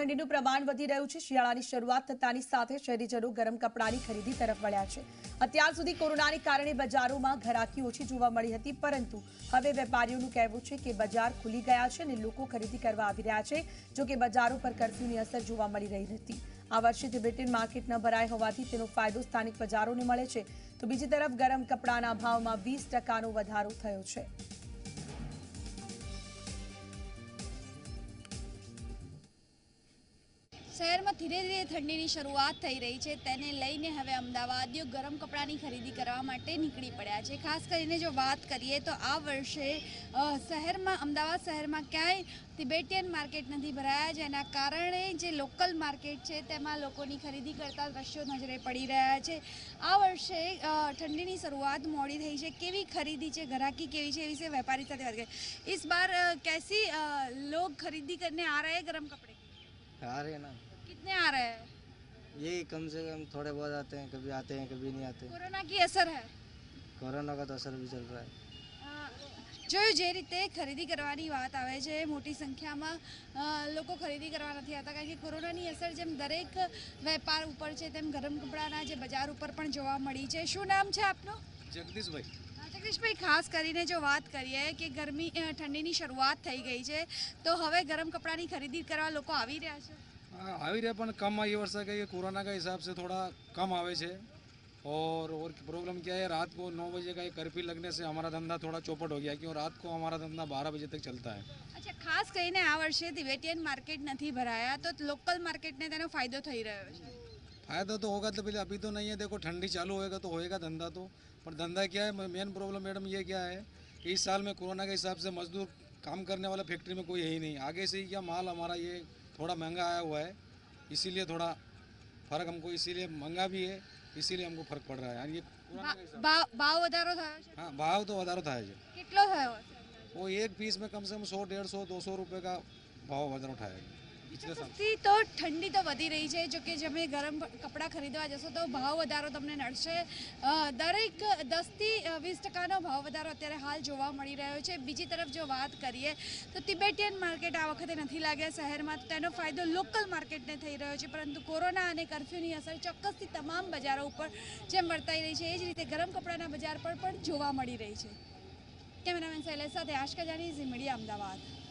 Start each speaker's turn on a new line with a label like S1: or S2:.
S1: ઠંડીનું પ્રમાણ વધી રહ્યું છે। શિયાળાની શરૂઆત થતાની સાથે શહેરીજનો ગરમ કપડાની ખરીદી તરફ વળ્યા છે। અત્યાર સુધી કોરોનાને કારણે બજારોમાં ઘરાકી ઓછી જોવા મળી હતી, પરંતુ હવે વેપારીઓનું કહેવું છે કે બજાર ખુલી ગયા છે અને લોકો ખરીદી કરવા આવી રહ્યા છે। જો કે બજારો પર કર્ફ્યુની અસર જોવા મળી રહી હતી। આ વર્ષે તિબેટિયન માર્કેટ ન ભરાય હોવાથી તેનો ફાયદો સ્થાનિક બજારોને મળે છે, તો બીજી તરફ ગરમ કપડાના ભાવમાં 20% વધારો થયો છે।
S2: શહેરમાં ધીરે ધીરે ઠંડીની શરૂઆત થઈ રહી છે, તેને લઈને હવે અમદાવાદીઓ ગરમ કપડાની ખરીદી કરવા માટે નીકળી પડ્યા છે। ખાસ કરીને જો વાત કરીએ તો આ વર્ષે અમદાવાદ શહેરમાં ક્યાંય તિબેટિયન માર્કેટ નથી ભરાયા, જેના કારણે જે લોકલ માર્કેટ છે તેમાં લોકોની ખરીદી કરતા દ્રશ્યો નજરે પડી રહ્યા છે। આ વર્ષે ઠંડીની શરૂઆત મોડી થઈ છે, કેવી ખરીદી છે, ગ્રાહકી કેવી છે, એ વિશે વેપારી સાથે વાત કરીએ। इस बार कैसी लोग खरीदी करने आ रहे हैं गरम कपड़े?
S3: आ रहे हैं ना।
S2: कितने आ रहे हैं?
S3: यही कम से कम थोड़े बहुत आते हैं, कभी आते हैं कभी नहीं आते।
S2: कोरोना की असर है?
S3: कोरोना का तो असर भी चल रहा है।
S2: જોયું જે રીતે ખરીદી કરવાની વાત આવે છે, મોટી સંખ્યામાં લોકો ખરીદી કરવા નથી આવતા, કારણ કે કોરોનાની અસર જેમ દરેક વેપાર ઉપર છે તેમ ગરમ કપડાના જે બજાર ઉપર પણ જોવા મળી છે। શું નામ છે આપનું?
S3: જગદીશભાઈ।
S2: જગદીશભાઈ, ખાસ કરીને જો વાત કરીએ કે ઠંડીની શરૂઆત થઈ ગઈ છે, તો હવે ગરમ કપડાની ખરીદી કરવા લોકો આવી રહ્યા છે?
S4: આવી રહ્યા, પણ कम ये वर्षा का ये कोरोना का हिसाब से थोड़ा कम आवे छे। और प्रॉब्लम क्या है, रात को 9 बजे का ये कर्फ्यू लगने से हमारा धंधा थोड़ा चौपट हो गया, क्योंकि रात को हमारा धंधा 12 बजे तक चलता है।
S2: अच्छा, खास કરીને આ વર્ષે તિબેટિયન માર્કેટ નથી ભરાયા, તો લોકલ માર્કેટને તેનો ફાયદો થઈ રહ્યો છે?
S4: फायदा तो होगा, तो पहले अभी तो नहीं है। देखो, ठंडी चालू होएगा तो होएगा धंधा तो, पर धंधा क्या है, मेन प्रॉब्लम मैडम ये क्या है कि इस साल में कोरोना के हिसाब से मजदूर काम करने वाला फैक्ट्री में कोई है ही नहीं। आगे से ही क्या माल हमारा ये थोड़ा महंगा आया हुआ है, इसीलिए थोड़ा फर्क हमको, इसीलिए महंगा भी है, इसीलिए हमको फर्क पड़ रहा है। ये
S2: ભાવ વધારો થયો છે?
S4: हाँ, भाव तो વધારો થાય છે।
S2: કેટલો થયો હશે?
S4: वो एक पीस में कम से कम 100, 150, 200 रुपये का भाव વધારો થાય છે।
S2: તો ઠંડી તો વધી રહી છે, જો કે તમે ગરમ કપડાં ખરીદવા જશો તો ભાવ વધારો તમને નડશે। દરેક 10થી 20% ભાવ વધારો અત્યારે હાલ જોવા મળી રહ્યો છે। બીજી તરફ જો વાત કરીએ તો તિબેટિયન માર્કેટ આ વખતે નથી લાગ્યા શહેરમાં, તો તેનો ફાયદો લોકલ માર્કેટને થઈ રહ્યો છે, પરંતુ કોરોના અને કર્ફ્યુની અસર ચોક્કસથી તમામ બજારો ઉપર જેમ વર્તાઈ રહી છે, એ જ રીતે ગરમ કપડાના બજાર પર પણ જોવા મળી રહી છે। કેમેરામેન શૈલેષ સાથે આશકા જાની, ઝી મીડિયા, અમદાવાદ।